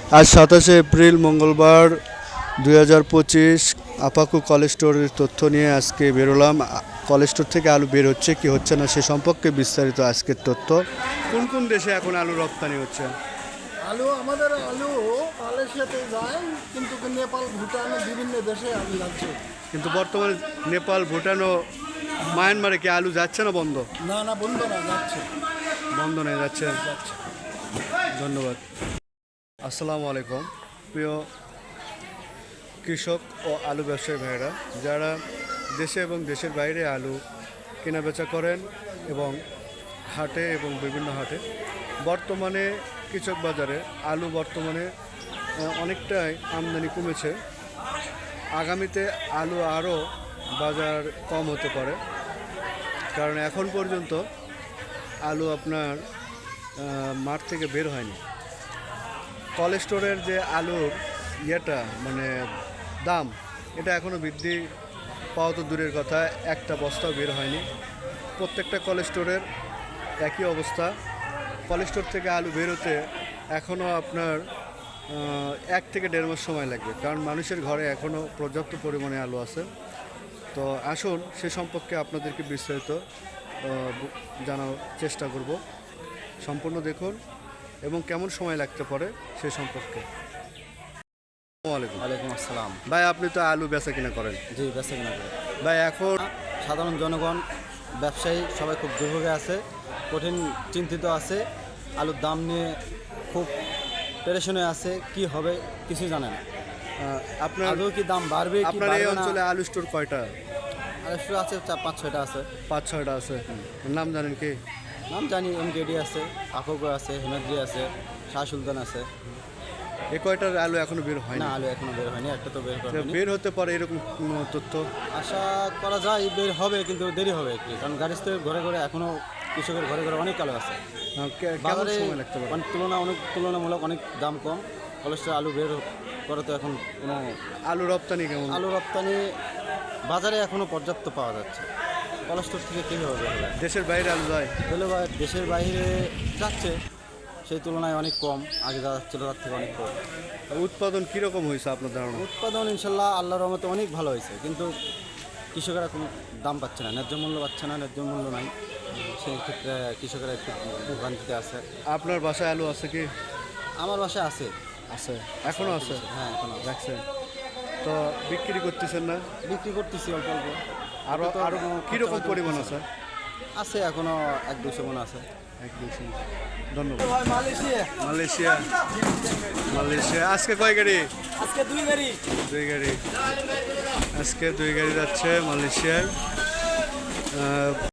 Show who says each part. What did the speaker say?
Speaker 1: আজ 27 এপ্রিল মঙ্গলবার 2025 আপাকু কলেজ স্টোরের তথ্য নিয়ে আজকে বেরোলাম। কলেজ স্টোর থেকে আলু বের হচ্ছে কি হচ্ছে না সে সম্পর্কে বিস্তারিত আজকের তথ্য। কোন কোন দেশে এখন আলু রপ্তানি হচ্ছে?
Speaker 2: আমাদের আলু মালয়েশিয়াতে যায়, কিন্তু নেপাল, ভুটান বিভিন্ন দেশে আলু যাচ্ছে।
Speaker 1: কিন্তু বর্তমানে নেপাল, ভুটান ও মায়ানমারে কি আলু যাচ্ছে না বন্ধ?
Speaker 2: না বন্ধ না, যাচ্ছে।
Speaker 1: বন্ধ নেই, যাচ্ছে। ধন্যবাদ। আসসালামু আলাইকুম প্রিয় কৃষক ও আলু ব্যবসায়ী ভাইয়েরা, যারা দেশে এবং দেশের বাইরে আলু কেনাবেচা করেন এবং হাটে এবং বিভিন্ন হাটে। বর্তমানে কৃষক বাজারে আলু বর্তমানে অনেকটাই আমদানি কমেছে। আগামীতে আলু আরও বাজার কম হতে পারে, কারণ এখন পর্যন্ত আলু আপনার মাঠ থেকে বের হয়নি। কলেজ স্টোরের যে আলুর মানে দাম, এটা এখনও বৃদ্ধি পাওয়া তো দূরের কথা, একটা বস্তাও বের হয়নি। প্রত্যেকটা কলেজ স্টোরের একই অবস্থা। কলেজ স্টোর থেকে আলু বেরোতে এখনও আপনার 1 থেকে 1.5 মাস সময় লাগবে, কারণ মানুষের ঘরে এখনও পর্যাপ্ত পরিমাণে আলু আছে। তো আসুন সে সম্পর্কে আপনাদেরকে বিস্তারিত জানার চেষ্টা করব। সম্পূর্ণ দেখুন এবং কেমন সময় লাগতে পারে সে সম্পর্কে।
Speaker 3: ওয়ালাইকুম আসসালাম।
Speaker 1: ভাই, আপনি তো আলু বেচা কিনা করেন?
Speaker 3: জি, বেচা কিনা করে।
Speaker 1: ভাই, এখন
Speaker 3: সাধারণ জনগণ, ব্যবসায়ী সবাই খুব দুর্ভোগে আছে, কঠিন চিন্তিত আছে। আলুর দাম নিয়ে খুব পেরেশনে আছে, কি হবে কিছুই জানে না।
Speaker 1: আপনার
Speaker 3: আলু কি দাম বাড়বে কি
Speaker 1: আপনার এই
Speaker 3: বাড়বে না।
Speaker 1: অঞ্চলে আলু স্টোর কয়টা?
Speaker 3: আলু স্টোর আছে 5-6টা আছে।
Speaker 1: 5-6টা আছে। নাম জানেন কি?
Speaker 3: নাম জানি, MKD আছে, আফোগো আছে, হিমাদ্রি আছে, শাহ সুলতান আছে।
Speaker 1: এই কয়টার আলু এখনো বের হয়
Speaker 3: না,
Speaker 1: না?
Speaker 3: আলু এখনো বের হয়নি, একটা তো বের হয়নি।
Speaker 1: বের হতে পারে এরকম কোনো তথ্য?
Speaker 3: আশা করা যায় বের হবে, কিন্তু দেরি হবে একটু, কারণ গাড়ি ঘরে ঘরে এখনো কৃষকের ঘরে ঘরে অনেক আলু আছে।
Speaker 1: কেমন
Speaker 3: বাজারে
Speaker 1: সময় লাগতে পারে?
Speaker 3: তুলনামূলক অনেক দাম কম। কলেস্ট্রল আলু বের করে তো এখন কোনো
Speaker 1: আলু রপ্তানি কেমন?
Speaker 3: আলু রপ্তানি বাজারে এখনো পর্যাপ্ত পাওয়া যাচ্ছে। কলেস্ট্রল থেকে কীভাবে বের হবে?
Speaker 1: দেশের বাইরে আলু যায়?
Speaker 3: দেশের বাইরে যাচ্ছে, সেই তুলনায় অনেক কম। আগে যা যাচ্ছিল তার থেকে অনেক কম।
Speaker 1: উৎপাদন কীরকম হয়েছে আপনার ধারণা?
Speaker 3: উৎপাদন ইনশাল্লাহ আল্লাহর রহমতে অনেক ভালো হয়েছে, কিন্তু কৃষকেরা কোনো দাম পাচ্ছে না, ন্যায্য মূল্য পাচ্ছে না, ন্যায্য মূল্য নাই। সেই ক্ষেত্রে কৃষকেরা একটু ভোগান্তিতে আছে।
Speaker 1: আপনার বাসায় আলু আছে কি?
Speaker 3: আমার বাসায় আছে।
Speaker 1: আছে, এখনো আছে?
Speaker 3: হ্যাঁ, এখনো আছে।
Speaker 1: রাখছেন তো? বিক্রি করতেছেন না?
Speaker 3: বিক্রি করতেছি অল্প অল্প।
Speaker 1: আরো কীরকম পরিমাণ আছে?
Speaker 3: আছে এখনো 1-200 মন আছে।
Speaker 1: 1-200। ধন্যবাদ। মালয়েশিয়া মালয়েশিয়া আজকে কয় গাড়ি?
Speaker 2: আজকে 2 গাড়ি।
Speaker 1: 2 গাড়ি। আজকে 2 গাড়ি যাচ্ছে মালয়েশিয়ায়।